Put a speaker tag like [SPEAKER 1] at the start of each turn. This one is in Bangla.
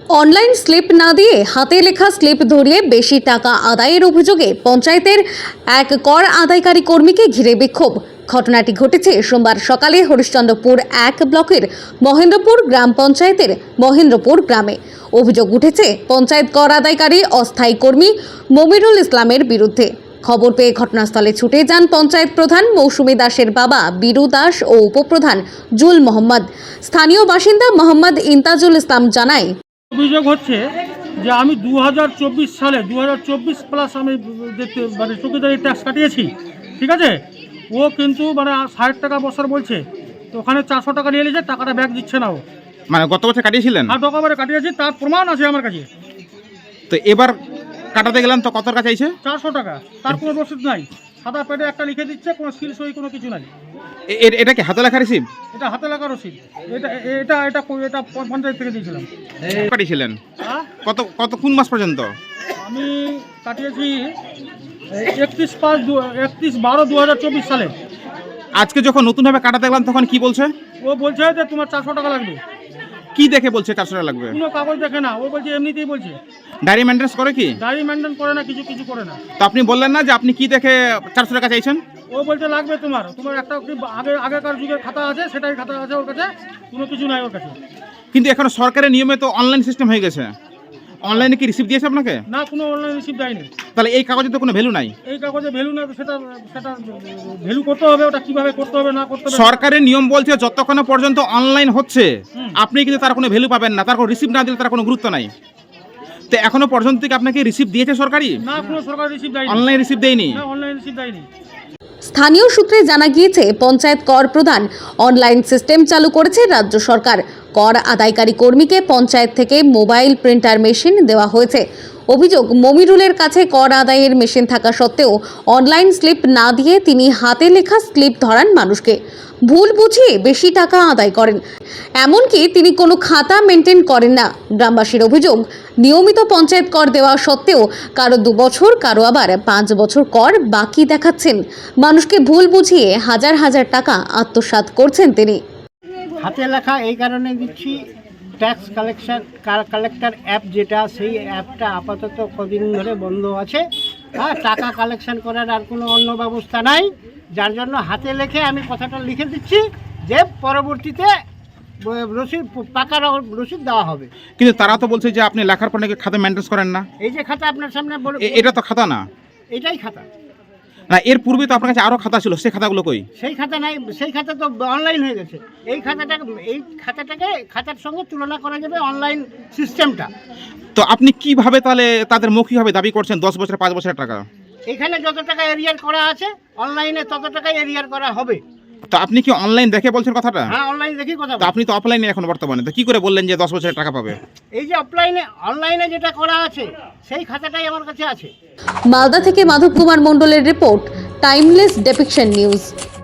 [SPEAKER 1] অনলাইন স্লিপ না দিয়ে হাতে লেখা স্লিপ ধরিয়ে বেশি টাকা আদায়ের অভিযোগে পঞ্চায়েতের এক কর আদায়কারী কর্মীকে ঘিরে বিক্ষোভ। ঘটনাটি ঘটেছে সোমবার সকালে হরিশ্চন্দ্রপুর 1 ব্লকের মহেন্দ্রপুর গ্রাম পঞ্চায়েতের মহেন্দ্রপুর গ্রামে। অভিযোগ উঠেছে পঞ্চায়েত কর আদায়কারী অস্থায়ী কর্মী মমিরুল ইসলামের বিরুদ্ধে। খবর পেয়ে ঘটনাস্থলে ছুটে যান পঞ্চায়েত প্রধান মৌসুমী দাসের বাবা বীরু দাস ও উপপ্রধান জুল মোহাম্মদ। স্থানীয় বাসিন্দা মোহাম্মদ ইন্তাজুল ইসলাম জানায়,
[SPEAKER 2] অভিযোগ হচ্ছে যে আমি 2024 সালে 2024 প্লাস আমি দেখতে মানে চৌকিদারি ট্যাক্স কাটিয়েছি, ঠিক আছে। ও কিন্তু মানে 60 টাকা বছর বলছে, তো ওখানে 400 টাকা নিয়ে নিয়েছে, টাকাটা ব্যাক দিচ্ছে না ও।
[SPEAKER 3] মানে গত বছর কাটিয়েছিলেন?
[SPEAKER 2] আর ডকুমেন্টে কাটিয়েছি, তার প্রমাণ আছে আমার কাছে।
[SPEAKER 3] তো এবার কাটাতে গেলাম তো কত টাকা চাইছে?
[SPEAKER 2] 400 টাকা, তার কোনো রসিদ নাই। সাদা পেটে একটা লিখে দিচ্ছে, কোনো সিল সই কোনো কিছু নাই।
[SPEAKER 3] এটা কি হাতে লেখা রিসিভ?
[SPEAKER 2] এটা হাতে লেখা রসিদ। এটা এটা এটা এটা পঞ্চায়েত থেকে দিয়েছিলাম।
[SPEAKER 3] কাটিয়েছিলেন
[SPEAKER 2] হ্যাঁ,
[SPEAKER 3] কত কোন মাস পর্যন্ত?
[SPEAKER 2] আমি কাটিয়েছি 31/12/2024 সালে।
[SPEAKER 3] আজকে যখন নতুনভাবে কাটাতে গেলাম তখন কি বলছে?
[SPEAKER 2] ও বলছে যে তোমার 400 টাকা লাগবে।
[SPEAKER 3] কি দেখে বলছে 400 টাকা লাগবে?
[SPEAKER 2] কোনো কাগজ দেখে না, ও বলছে এমনিতেই বলছে।
[SPEAKER 3] ডায়েরি মেনটেন্স করে কি?
[SPEAKER 2] ডায়েরি মেনটেন করে না, কিছু কিছু করে না।
[SPEAKER 3] তো আপনি বললেন না যে আপনি কি দেখে 400 টাকা চাইছেন?
[SPEAKER 2] ও বলছে লাগবে তোমার একটা আগেকার যুগের খাতা আছে, সেটাই খাতা আছে ওর কাছে, কোনো কিছু নাই ওর কাছে।
[SPEAKER 3] কিন্তু এখন সরকারের নিয়মে তো অনলাইন সিস্টেম হয়ে গেছে। অনলাইনে কি রিসিভ দিয়েছে আপনাকে?
[SPEAKER 2] না, কোনো অনলাইন রিসিভ দেয়নি।
[SPEAKER 3] তাহলে এই কাগজে তো কোনো ভ্যালু নাই।
[SPEAKER 2] এই কাগজে ভ্যালু না, সেটা সেটা ভ্যালু করতে হবে। ওটা কিভাবে করতে হবে না করতে হবে,
[SPEAKER 3] সরকারের নিয়ম বলছে যতক্ষণ পর্যন্ত অনলাইন হচ্ছে আপনি কিন্তু তার কোনো ভ্যালু পাবেন না, তার কোনো রিসিভ না দিলে তার কোনো গুরুত্ব নাই। তো এখনো পর্যন্ত কি আপনাকে রিসিভ দিয়েছে সরকারি?
[SPEAKER 2] না, কোনো সরকার রিসিভ দেয়নি।
[SPEAKER 3] অনলাইন রিসিভ দেয়নি?
[SPEAKER 2] না, অনলাইন রিসিভ দেয়নি।
[SPEAKER 1] স্থানীয় সূত্রে জানা গিয়েছে পঞ্চায়েত কর প্রধান অনলাইন সিস্টেম চালু করেছে রাজ্য সরকার। কর আদায়কারী কর্মীকে পঞ্চায়েত থেকে মোবাইল প্রিন্টার মেশিন দেওয়া হয়েছে। অভিযোগ, মমিরুলের কাছে কর আদায়ের মেশিন থাকা সত্ত্বেও অনলাইন স্লিপ না দিয়ে তিনি হাতে লেখা স্লিপ ধরান মানুষকে। ভুল বুঝিয়ে বেশি টাকা আদায় করেন। এমনকি তিনি কোনো খাতা মেনটেন করেন না। গ্রামবাসীর অভিযোগ, নিয়মিত পঞ্চায়েত কর দেওয়া সত্ত্বেও কারো 2 বছর, কারো আবার 5 বছর কর বাকি দেখাচ্ছেন। মানুষকে ভুল বুঝিয়ে হাজার হাজার টাকা আত্মসাৎ করছেন তিনি।
[SPEAKER 4] হাতে লেখা এই কারণে দিচ্ছি, ট্যাক্স কালেক্টর অ্যাপ যেটা, সেই অ্যাপটা আপাতত কদিন ধরে বন্ধ আছে। হ্যাঁ, টাকা কালেকশন করার আর কোনো অন্য ব্যবস্থা নাই, যার জন্য হাতে লেখে আমি কথাটা লিখে দিচ্ছি যে পরবর্তীতে রসিদ, পাকা রসিদ দেওয়া হবে।
[SPEAKER 3] কিন্তু তারা তো বলছে যে আপনি লেখার পর নাকি খাতা মেনটেন্স করেন না।
[SPEAKER 4] এই যে খাতা আপনার সামনে,
[SPEAKER 3] এটা তো খাতা না।
[SPEAKER 4] এটাই খাতা
[SPEAKER 3] না, এর পূর্বে তো আপনার কাছে আরো খাতা ছিল, সেই খাতাগুলো কই?
[SPEAKER 4] সেই খাতা নাই, সেই খাতা তো অনলাইন হয়ে গেছে। এই খাতাটাকে খাতার সঙ্গে তুলনা করা যাবে অনলাইন সিস্টেমটা।
[SPEAKER 3] তো আপনি কিভাবে তাহলে তাদের মৌখিকভাবে দাবি করছেন 10 বছর 5 বছরের টাকা?
[SPEAKER 4] এখানে যত টাকা এরিয়ার করা আছে অনলাইনে তত টাকা এরিয়ার করা হবে।
[SPEAKER 3] তো আপনি কি অনলাইন দেখে বলছেন কথাটা?
[SPEAKER 4] হ্যাঁ, অনলাইন দেখি কথা।
[SPEAKER 3] তো আপনি তো অফলাইনে এখন বর্তমানে, তো কি করে বললেন যে 10 বছরের টাকা পাবে?
[SPEAKER 4] এই যে অনলাইনে যেটা করা আছে সেই খাতাটাই আমার কাছে আছে।
[SPEAKER 1] মালদা থেকে মাধব কুমার মণ্ডলের রিপোর্ট, টাইমলেস ডেপিকশন নিউজ।